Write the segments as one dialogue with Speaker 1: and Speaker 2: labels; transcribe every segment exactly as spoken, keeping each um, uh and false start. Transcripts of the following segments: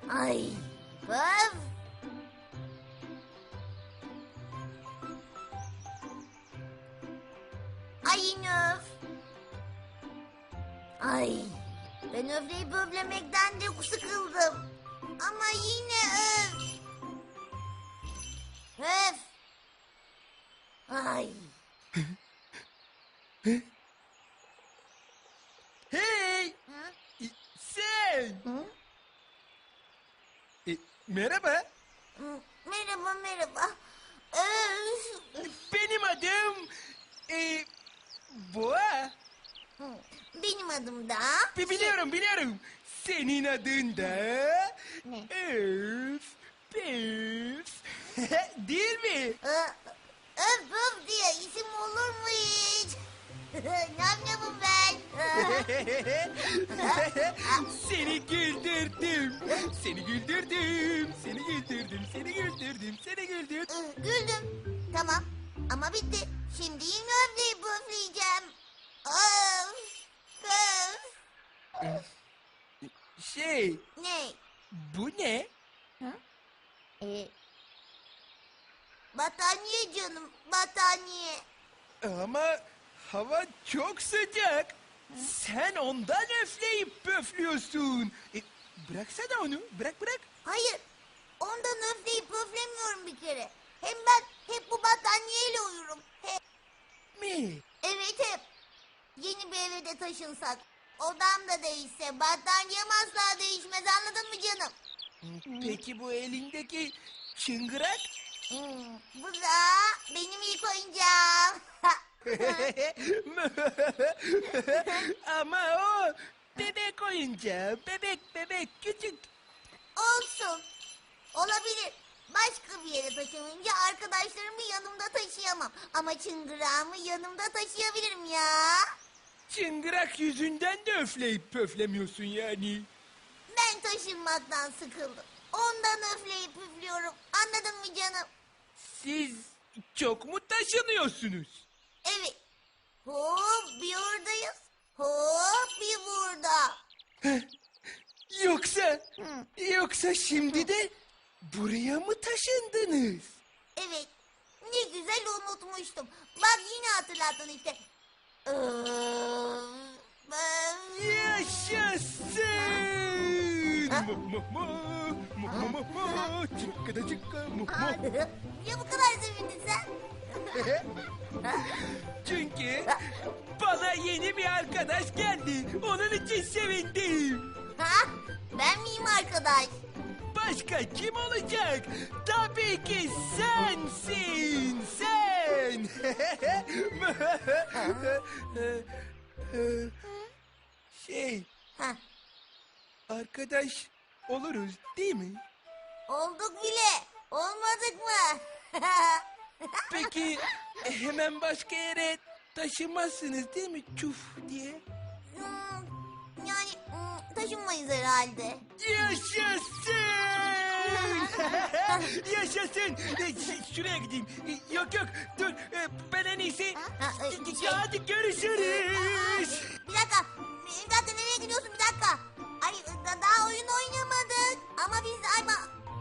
Speaker 1: Ay. Öf. Ay yine öf. Ay. Ben öfleyip öflemekten de sıkıldım. Ama yine öf. Öf. Ay.
Speaker 2: Hey!
Speaker 1: Hı?
Speaker 2: e, Sen!
Speaker 1: Hı?
Speaker 2: E, merhaba.
Speaker 1: Hı, merhaba merhaba. Öf.
Speaker 2: Benim adım... E, Boğa.
Speaker 1: Hı, benim adım da...
Speaker 2: Bi- Biliyorum, biliyorum. Senin adın da...
Speaker 1: Ne?
Speaker 2: Öf, püf. Değil mi?
Speaker 1: Ö- Öf öf diye isim olur mu hiç? Nam namım ben.
Speaker 2: Seni güldürdüm. Seni güldürdüm. Seni güldürdüm. Seni güldürdüm. Seni güldürdüm.
Speaker 1: Ö, Güldüm. Tamam ama bitti. Şimdi yine öfleyip öfleyeceğim. Öf. Öf.
Speaker 2: Şey,
Speaker 1: Ne?
Speaker 2: bu ne?
Speaker 1: E... Battaniye canım battaniye.
Speaker 2: Ama hava çok sıcak. Sen ondan öfleyip pöflüyorsun. E, bıraksana onu. Bırak bırak.
Speaker 1: Hayır. Ondan öfleyip öflemiyorum bir kere. Hem ben hep bu battaniyeyle uyurum. Hep.
Speaker 2: Mi?
Speaker 1: Evet hep. Yeni bir eve de taşınsak. Odam da değişse battaniyem asla değişmez anladın mı canım?
Speaker 2: Peki bu elindeki çıngırak?
Speaker 1: Hmm, bu da benim ilk oyuncağım.
Speaker 2: Ama o bebek oyuncağı. Bebek bebek küçük.
Speaker 1: Olsun. Olabilir. Başka bir yere taşınınca arkadaşlarımı yanımda taşıyamam. Ama çıngırağımı yanımda taşıyabilirim ya.
Speaker 2: Çıngırak yüzünden de öfleyip pöflemiyorsun yani.
Speaker 1: Ben taşınmaktan sıkıldım. Ondan öfleyip üflüyorum. Anladın mı canım?
Speaker 2: Siz çok mu taşınıyorsunuz?
Speaker 1: Evet. Hop bir oradayız. Hop bir burada.
Speaker 2: Yoksa,
Speaker 1: Hı.
Speaker 2: yoksa şimdi de buraya mı taşındınız?
Speaker 1: Evet. Ne güzel unutmuştum. Bak yine hatırlattın işte. Ee, ben-
Speaker 2: Yaşasın!
Speaker 1: Ha?
Speaker 2: Mo mo mo, mo mo mo mo, çıkka da çıkka mo mo.
Speaker 1: Niye bu kadar sevindin sen?
Speaker 2: Çünkü bana yeni bir arkadaş geldi. Onun için sevindim.
Speaker 1: Ha? Ben miyim arkadaş?
Speaker 2: Başka kim olacak? Tabii ki sensin, sen. Şey,
Speaker 1: Ha,
Speaker 2: arkadaş oluruz değil mi?
Speaker 1: olduk bile. Olmadık mı?
Speaker 2: Peki hemen başka yere taşınmazsınız değil mi? Çuf diye.
Speaker 1: Hmm, yani hmm, taşınmayız herhalde.
Speaker 2: Yaşasın! Yaşasın! E, ş- Şuraya gideyim. E, Yok yok dur E, ben en iyisi.
Speaker 1: Ha, e,
Speaker 2: Ya
Speaker 1: şey-
Speaker 2: hadi görüşürüz.
Speaker 1: Bir dakika. Bir dakika nereye gidiyorsun bir dakika. Ay da- daha oyun oynamadık. Ama biz ama...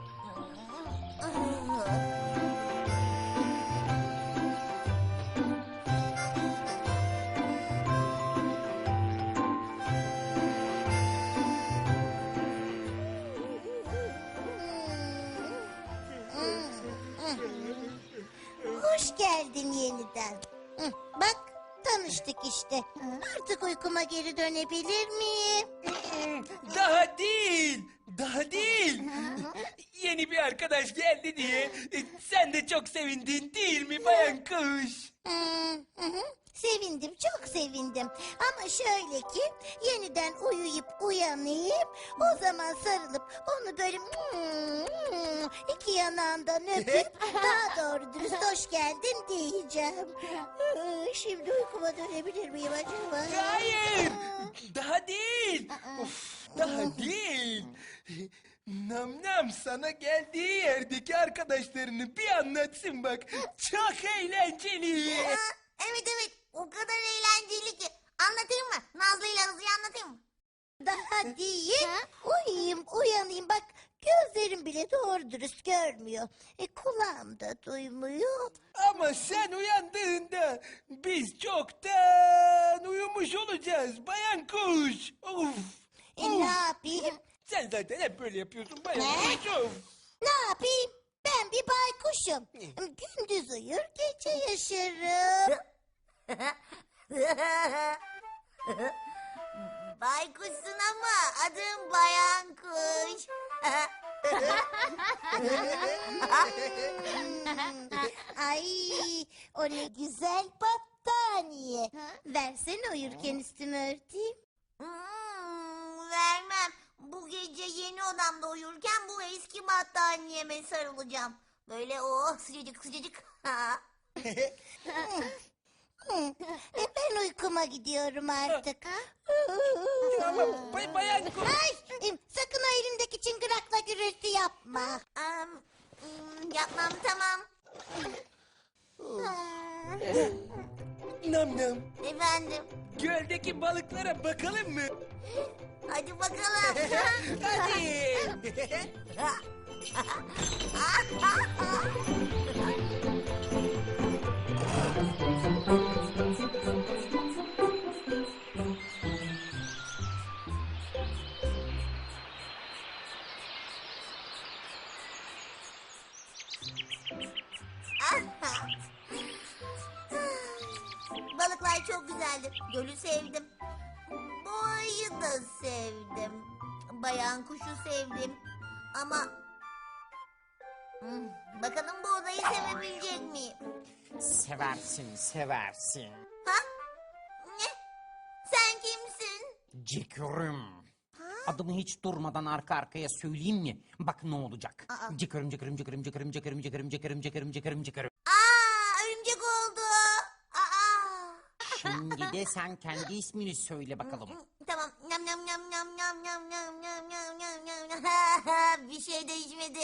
Speaker 3: Hoş geldin yeniden. Hı, bak tanıştık işte. Artık uykuma geri dönebilir miyim?
Speaker 2: Daha değil. Daha değil. Yeni bir arkadaş geldi diye e, sen de çok sevindin değil mi bayan kuş?
Speaker 3: Hı, hı hı. Sevindim, çok sevindim. Ama şöyle ki yeniden uyuyup uyanayım. O zaman sarılıp onu böyle hmm, iki yanağından öpüp daha doğru dürüst hoş geldin diyeceğim. Hı, Şimdi uykuma dönebilir miyim acaba?
Speaker 2: Hayır. Daha değil. Of, daha değil. Nam nam sana geldiği yerdeki arkadaşlarını bir anlatsın bak. Çok eğlenceli.
Speaker 1: Aa, evet evet o kadar eğlenceli ki. Anlatayım mı? Nazlı ile Hızlı'yı anlatayım mı?
Speaker 3: Daha değil. Uyuyayım, uyanayım. Bak gözlerim bile doğru dürüst görmüyor. E, kulağım da duymuyor.
Speaker 2: Ama sen uyandığında biz çoktan uyumuş olacağız bayan kuş. Of.
Speaker 3: E, ne yapayım?
Speaker 2: Sen zaten hep böyle yapıyorsun bayan
Speaker 3: Ne?
Speaker 2: kuş. Of.
Speaker 3: Ne yapayım? Ben bir baykuşum. Gündüz uyur, gece yaşarım.
Speaker 1: Baykuşsun ama adım Bayan Kuş.
Speaker 3: Ay, o ne güzel battaniye. Versene uyurken üstümü örteyim.
Speaker 1: Hmm, vermem. Bu gece yeni odamda uyurken bu eski battaniyeme sarılacağım. Böyle oh sıcacık sıcacık.
Speaker 3: E, ben uykuma gidiyorum artık.
Speaker 2: Ama bay, bayan kuş.
Speaker 3: Ay, e, sakın o elindeki çıngırakla gürültü yapma.
Speaker 1: Am, hmm, yapmam tamam.
Speaker 2: Nam nam.
Speaker 1: Efendim.
Speaker 2: Göldeki balıklara bakalım mı?
Speaker 1: Hadi bakalım.
Speaker 2: Hadi.
Speaker 1: Balıklar çok güzeldi. Gölü sevdim. Boğayı da sevdim. Bayan kuşu sevdim. Ama Hmm, bakalım bu odayı sevebilecek miyim?
Speaker 4: Seversin, seversin.
Speaker 1: Ha? Ne? Sen kimsin?
Speaker 4: Cikürüm. Adımı hiç durmadan arka arkaya söyleyeyim mi? Bak ne olacak.
Speaker 1: Aa.
Speaker 4: Cikürüm, cikürüm, cikürüm, cikürüm, cikürüm, cikürüm, cikürüm, cikürüm, cikürüm, cikürüm.
Speaker 1: Aa, örümcek oldu. Aa.
Speaker 4: Şimdi de sen kendi ismini söyle bakalım.
Speaker 1: Tamam. Nam nam nam nam nam nam nam nam nam nam nam nam. Bir şey değişmedi.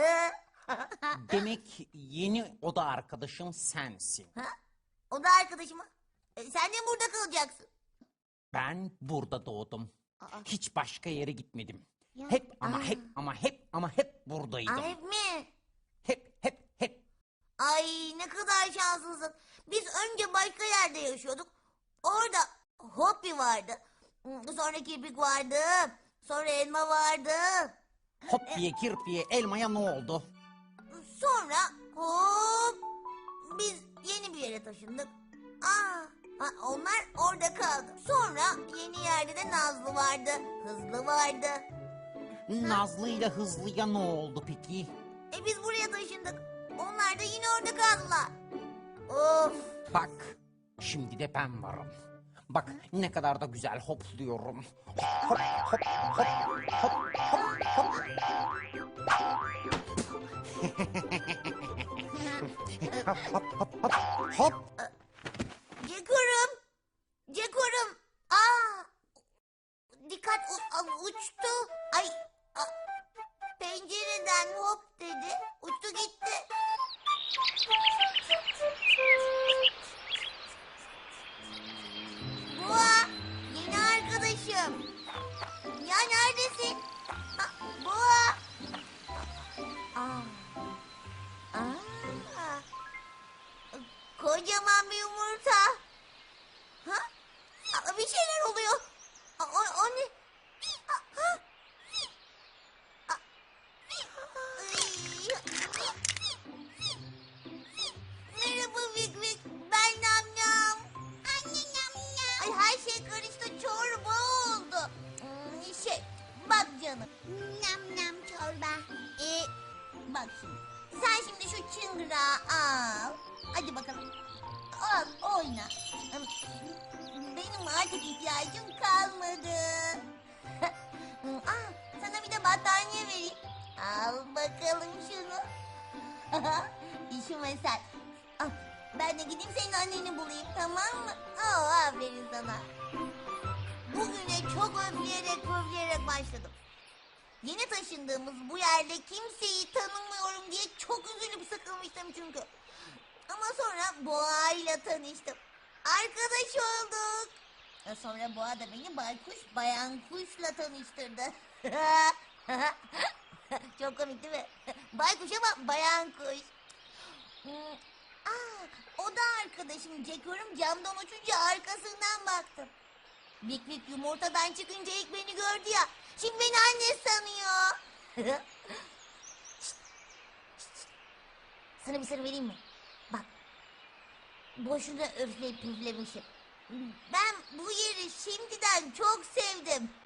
Speaker 4: Demek yeni oda arkadaşım sensin.
Speaker 1: Ha? O da arkadaşım. E, sen de burada kalacaksın.
Speaker 4: Ben burada doğdum.
Speaker 1: Aa.
Speaker 4: Hiç başka yere gitmedim.
Speaker 1: Ya.
Speaker 4: Hep ama
Speaker 1: Aa.
Speaker 4: hep ama hep ama hep buradaydım.
Speaker 1: Ay, hep mi?
Speaker 4: Hep hep hep.
Speaker 1: Ay ne kadar şanslısın. Biz önce başka yerde yaşıyorduk. Orada Hopi vardı. Sonra kirpik vardı. Sonra elma vardı.
Speaker 4: Hop diye kirpiye elmaya ne oldu?
Speaker 1: Sonra hop biz yeni bir yere taşındık. Aa, ha, onlar orada kaldı. Sonra yeni yerde de Nazlı vardı. Hızlı vardı.
Speaker 4: Nazlı ile Hızlı'ya ne oldu peki?
Speaker 1: E biz buraya taşındık. Onlar da yine orada kaldılar. Of.
Speaker 4: Bak, şimdi de ben varım. Bak ne kadar da güzel hopluyorum. Hop hop hop hop hop hop. Hop hop hop hop hop.
Speaker 1: Cekorum. Cekorum. Aa. Dikkat u- a- uçtu. Ay. a- pencereden hop dedi. Uçtu gitti. Boğa. Yeni arkadaşım. Ya neredesin? Ha, Boğa. Aa. Aa. Kocaman bir yumurta. Ha? Aa, bir şeyler oluyor. Aa, o, o ne? Aa, ha? Aa, ay. Merhaba Vik Vik. Ben Nam Nam. Anne Nam Nam. Ay her şey karıştı. Çorba oldu. Hmm, şey bak canım. Nam Nam çorba. Ee, bak şimdi. Sen şimdi şu çıngırağı al. Hadi bakalım. Al oyna. Benim artık ihtiyacım kalmadı. Aa, sana bir de battaniye vereyim. Al bakalım şunu. İşime sen. Al, ben de gideyim senin anneni bulayım, tamam mı? Oh, aferin sana. Bugüne çok öfleyerek öfleyerek başladım. Yeni taşındığımız bu yerde kimseyi tanımıyorum diye çok üzülüp sıkılmıştım çünkü. Ama sonra Boğa ile tanıştım. Arkadaş olduk. Sonra Boğa da beni Baykuş Bayan Kuş'la tanıştırdı. Çok komik değil mi? Baykuş ama bayan kuş. Hmm, Aa, o da arkadaşım Ceko'rum camdan uçunca arkasından baktım. Bik Bik yumurtadan çıkınca ilk beni gördü ya. Şimdi beni anne sanıyor. Şşt, şşt, şşt. Sana bir sır vereyim mi? Bak. Boşuna öfleyip püflemişim. Ben bu yeri şimdiden çok sevdim.